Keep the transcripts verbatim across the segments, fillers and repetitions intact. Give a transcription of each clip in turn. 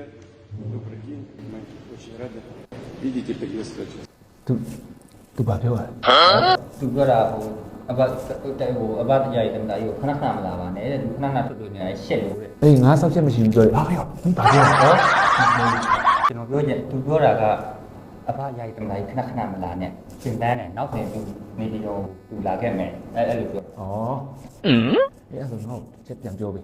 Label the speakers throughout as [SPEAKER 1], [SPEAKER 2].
[SPEAKER 1] Привет, добрый день, мы очень рады видеть и приветствовать вас.
[SPEAKER 2] သူသူဘာပြောရလဲ
[SPEAKER 3] သူပြောတာဟိုအဘတဲ့ဟိုအဘတရားရည်တမတာကြီးကိုခဏခဏမလာပါနဲ့တဲ့သူခဏခဏထွက်လို့နေရရှက်လို့တဲ့
[SPEAKER 2] အေးငါဆောက်ချက်မရှိဘူးပြောတယ်ဟာပြောမင်းဘာပြောလဲ
[SPEAKER 3] ဟောကျွန်တော်ပြောချင်သူပြောတာကအဘတရားရည်တမတာကြီးခဏခဏမလာနဲ့သင်တန်းနဲ့နောက်ဆိုရင်သူနေပြီးတော့သူလာခဲ့မယ်အဲအဲ့လိုပြော
[SPEAKER 2] ဩအင်းအေးအဲ့ဒါဆိုငါ့ကိုချက်ပြန်ပြောပေး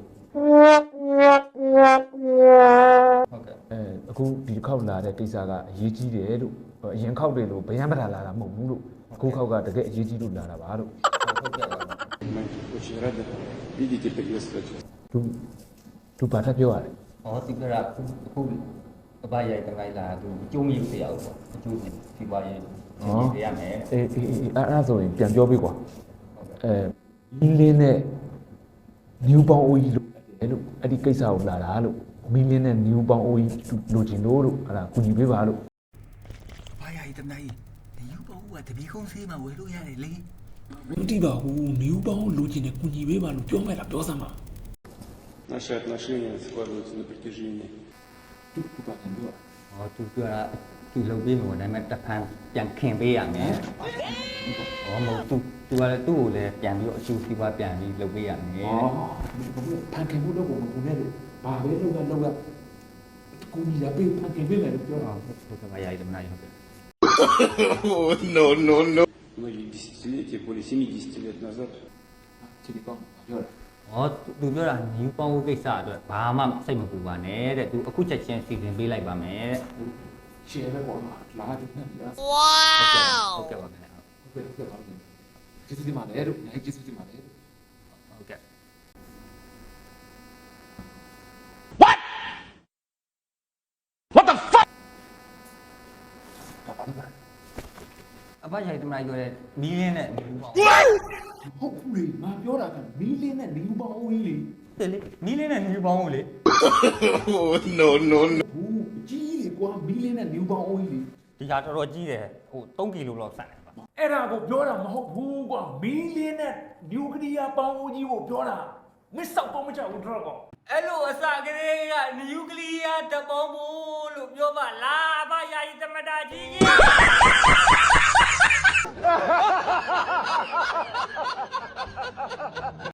[SPEAKER 3] ဟုတ်ကဲ့
[SPEAKER 2] အဲအခုဒီတစ်ခေါက်လာတဲ့ကိစ္စကအရေးကြီးတယ်လို့အရင်ခေါက်တွေလို့ဗျမ်းပဒါလာတာမဟုတ်ဘူးလို့အခုခေါက်ကတကယ်အရေးကြီးလို့လာတာပါလို့
[SPEAKER 3] ဟုတ်ကဲ့ပါ
[SPEAKER 1] Мы очень рады видеть и приветствовать вас.
[SPEAKER 2] သူသူဘာထပ်ပြောရလဲ
[SPEAKER 3] ဟောသူပြောတာအခုအခုအဘတရားရည်တမတာကြီးလာသူအကျိုးမရဘူးတရားပေါ့အကျိုးဒီပွားရေးသင်ရမယ်
[SPEAKER 2] အေးအေးအေးအဲ့အဲ့ဆိုရင်ပြန်ပြောပေးကွာအဲမီလင်းနဲ့နျူပေါင်းအိုးကြီးလို့အဲ့လိုအဲ့ဒီကိစ္စကိုလာတာလို့မီလင်းနဲ့နျူပေါင်းအိုးကြီးလိုချင်လို့လို့အဲ့ဒါကူညီပေးပါလို့
[SPEAKER 4] ဘာရည်တမနိုင်ဒီယူပေါ့ကတပီကုန်းဆေးမှာဝယ်လို့ရတယ်လေ
[SPEAKER 5] မတိပါဘူးနယူးပေါင်းလိုချင်တဲ့ကုညီပေးပါလို့ပြောမဲ့လားပြောစမ်းပါ
[SPEAKER 1] Наши отношения складываются на протяжении
[SPEAKER 2] သူသူဘာပြန်ပြောရလဲ
[SPEAKER 3] ဟောသူပြောတာသူလုပ်ပြီးမှာဒါပေမဲ့တစ်ဖန်ပြန်ခင်ပေးရမယ်ဟောမဟုတ်သူသူကလည်းသူ့ကိုလည်းပြန်ပြီးတော့အကျိုးစီးပွားပြန်ပြီးလုပ်ပေးရမယ်
[SPEAKER 2] อ๋อဖန်ခင်မှုတော့ကိုမကူနဲ့လို့ဘာပဲလုပ်ရလုပ်ရကူညီရပေးဖန်ခင်ပေးမယ်လို့ပြောတာ
[SPEAKER 3] ဟုတ်ကဲ့ပါရည်တမနာဟုတ်ကဲ့
[SPEAKER 1] многие десятилетия, более семидесяти лет назад.
[SPEAKER 2] ဒီကောင်ပြောတာ
[SPEAKER 3] ဟောသူပြောတာနယူးပေါင်းကိစ္စအတွက်ဘာမှစိတ်မပူပါနဲ့တဲ့သူအခုချက်ချင်းစီစဉ်ပေးလိုက်ပါမယ်
[SPEAKER 2] ရှယ်ပဲပေါ့လာတယ်နဲ့ဟုတ်
[SPEAKER 3] ဟုတ်ကဲ့ဟုတ်ကဲ့ပါခင်ဗျာ
[SPEAKER 2] ကဲ့ဟုတ်ကဲ့ပါကျေးဇူးတင်ပါတယ်လို့နိုင်ကျေးဇူးတင်ပါတယ်
[SPEAKER 3] ဟုတ်ကဲ့အဘရိုက်တမလိုက်ပြောတဲ့မီးလင်းနဲ့နယူးပေါင်း
[SPEAKER 2] ဟုတ်ဘူးလေငါပြောတာကမီလင်းနဲ့နယူပေါင်းအိုးကြီးလေ
[SPEAKER 3] လေမီးလင်းနဲ့နယူးပေါင်းကိုလေ
[SPEAKER 2] ဘူးကြီးလေကွာမီလင်းနဲ့နယူပေါင်းအိုးကြီးလေ
[SPEAKER 3] ဒီဟာတော်တော်ကြီးတယ်ဟိုသုံးကီလိုလောက်ဆန်တယ်ပါ
[SPEAKER 5] အဲ့ဒါကိုပြောတာမဟုတ်ဘူးကွာမီလင်းနဲ့နျူကလ িয়ার ပေါင်းဦးကြီးကိုပြောတာမစ်ဆောက်တော့မချဘူးတော့ကော
[SPEAKER 3] အဲ့လိုအစကလေးကနယူကလ িয়ার တပေါင်းမို့လို့ပြောပါလားအဘယာယီတမတာကြီးကြီး